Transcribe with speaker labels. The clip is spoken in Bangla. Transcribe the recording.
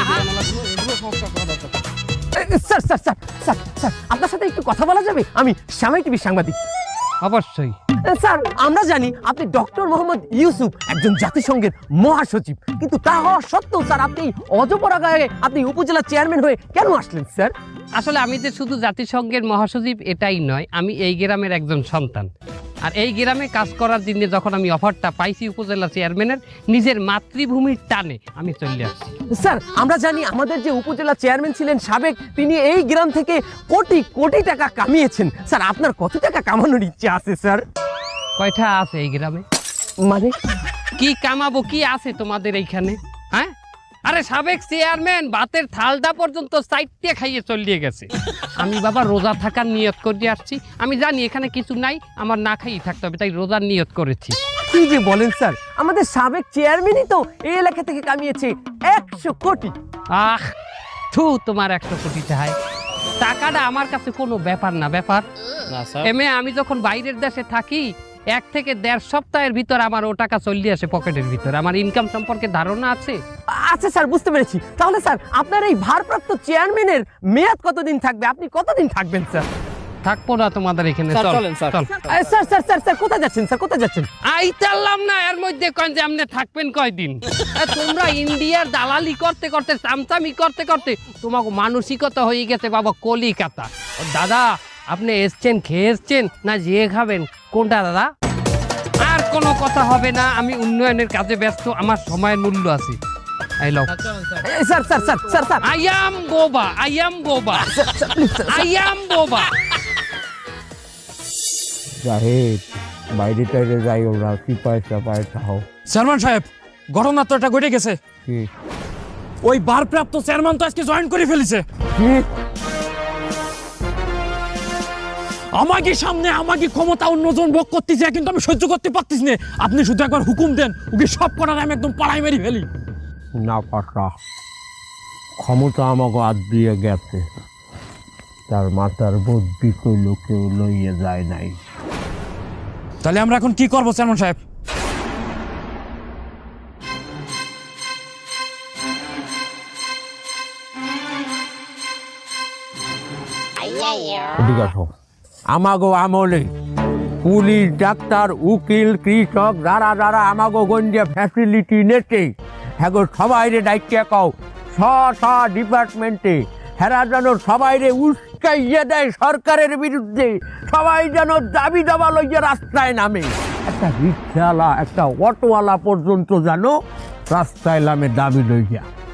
Speaker 1: Sir sir sir sir sir আপনার সাথে একটু কথা বলা যাবে? আমি শ্যামাই টিভির সাংবাদিক।
Speaker 2: অবশ্যই।
Speaker 1: স্যার আমরা জানি আপনি ডক্টর মোহাম্মদ ইউসুফ একজন জাতিসংঘের মহাসচিব, কিন্তু তা হওয়া সত্ত্বেও স্যার আপনি অজপরা গায়ে আপনি উপজেলা চেয়ারম্যান হয়ে কেন আসলেন স্যার?
Speaker 2: আসলে আমি যে শুধু জাতিসংঘের মহাসচিব এটাই নয়, আমি এই গ্রামের একজন সন্তান। আর এই গ্রামে কাজ করার জন্য যখন আমি অফারটা পাইছি উপজেলা চেয়ারম্যানের, নিজের মাতৃভূমির টানে আমি চলে আসছি।
Speaker 1: স্যার আমরা জানি আমাদের যে উপজেলা চেয়ারম্যান ছিলেন সাবেক, তিনি এই গ্রাম থেকে কোটি কোটি টাকা কামিয়েছেন। স্যার আপনার কত টাকা কামানোর ইচ্ছে আছে স্যার?
Speaker 2: কয়টা আছে এই গ্রামে?
Speaker 1: মানে
Speaker 2: কি কামাবো, কি আছে তোমাদের এইখানে? হ্যাঁ, আরে সাবেক চেয়ারম্যান ভাতের থালটা পর্যন্ত সাইডে খাইয়ে চলিয়ে গেছে। আমি বাবা রোজা থাকার নিয়ত করে আসছি। আমি জানি এখানে কিছু নাই, আমার না খাইয়ে থাকতে হবে, তাই রোজার নিয়ত করেছি।
Speaker 1: কি যে বলেন স্যার, আমাদের সাবেক চেয়ারম্যানই তো এই এলাকা থেকে কামিয়েছে 100 কোটি।
Speaker 2: আহ থু, তোমার 100 কোটি টাকায় টাকাটা আমার কাছে কোনো ব্যাপার না। ব্যাপার এমে আমি যখন বাইরের দেশে থাকি 1 থেকে 1.5 সপ্তাহের ভিতর আমার ও টাকা চলে আসে পকেটের ভিতর। আমার ইনকাম সম্পর্কে ধারণা আছে।
Speaker 1: আচ্ছা স্যার বুঝতে পেরেছি। তাহলে স্যার আপনার এই ভারপ্রাপ্ত চেয়ারম্যানের মেয়াদ কতদিন থাকবে? আপনি কতদিন থাকবেন স্যার?
Speaker 2: থাকবো না তোমাদের এখানে। চল চল।
Speaker 1: স্যার স্যার স্যার স্যার কোথায় যাচ্ছেন স্যার, কোথায় যাচ্ছেন?
Speaker 2: আইতাল্লাম না, এর মধ্যে কন যে আপনি থাকবেন কয়দিন? তোমরা ইন্ডিয়ার দালালি করতে করতে, চামচামি করতে করতে তোমাকে মানসিকতা হয়ে গেছে বাবা কলিকাতা। দাদা আপনি এসছেন, খেয়ে এসছেন না যেয়ে খাবেন? কোনটা দাদা? আর কোনো কথা হবে না, আমি উন্নয়নের কাজে ব্যস্ত, আমার সময়ের মূল্য আছে। I love
Speaker 1: sir sir sir sir sir
Speaker 2: I am বোবা, আই অ্যাম বোবা, আই অ্যাম বোবা।
Speaker 3: সাহেব বাইরে টাইরে যাই, ওরা কি পয়সা পয়সা হোক।
Speaker 4: চেয়ারম্যান সাহেব, ঘটনা তো একটা ঘটে গেছে।
Speaker 3: কি
Speaker 4: ওই ভারপ্রাপ্ত চেয়ারম্যান তো আজকে জয়েন করে ফেলেছে।
Speaker 3: কি?
Speaker 4: আমাকে সামনে আমাকে ক্ষমতা অন্যজন ভোগ করতেছে, কিন্তু আমি সহ্য করতে পারতেছি না। আপনি শুধু একবার হুকুম দেন, ওকে সব করার আমি একদম পাড়ায় মেরে ফেলি।
Speaker 3: না পাশা, ক্ষমতা আমাকে হাত দিয়ে গেছে, তার মাথার বুদ্ধি কইল কেউ লইয়ে যায় নাই।
Speaker 4: তাহলে আমরা এখন কি করবো চেয়ারম্যান সাহেব?
Speaker 3: ঠিক আছে, আমাগো আমলে পুলিশ, ডাক্তার, উকিল, কৃষক যারা যারা আমাগো গঞ্জে ফ্যাসিলিটি নেছে, হ্যাঁ সবাইরে দায়িত্বে কও ডিপার্টমেন্টে হেরা যেন সবাইরে উস্কাইয়ে দেয় সরকারের বিরুদ্ধে। সবাই যেন দাবি দাবা লইয়া রাস্তায় নামে। একটা রিক্সাওয়ালা, একটা অটোওয়ালা পর্যন্ত যেন রাস্তায় নামে দাবি লইয়া।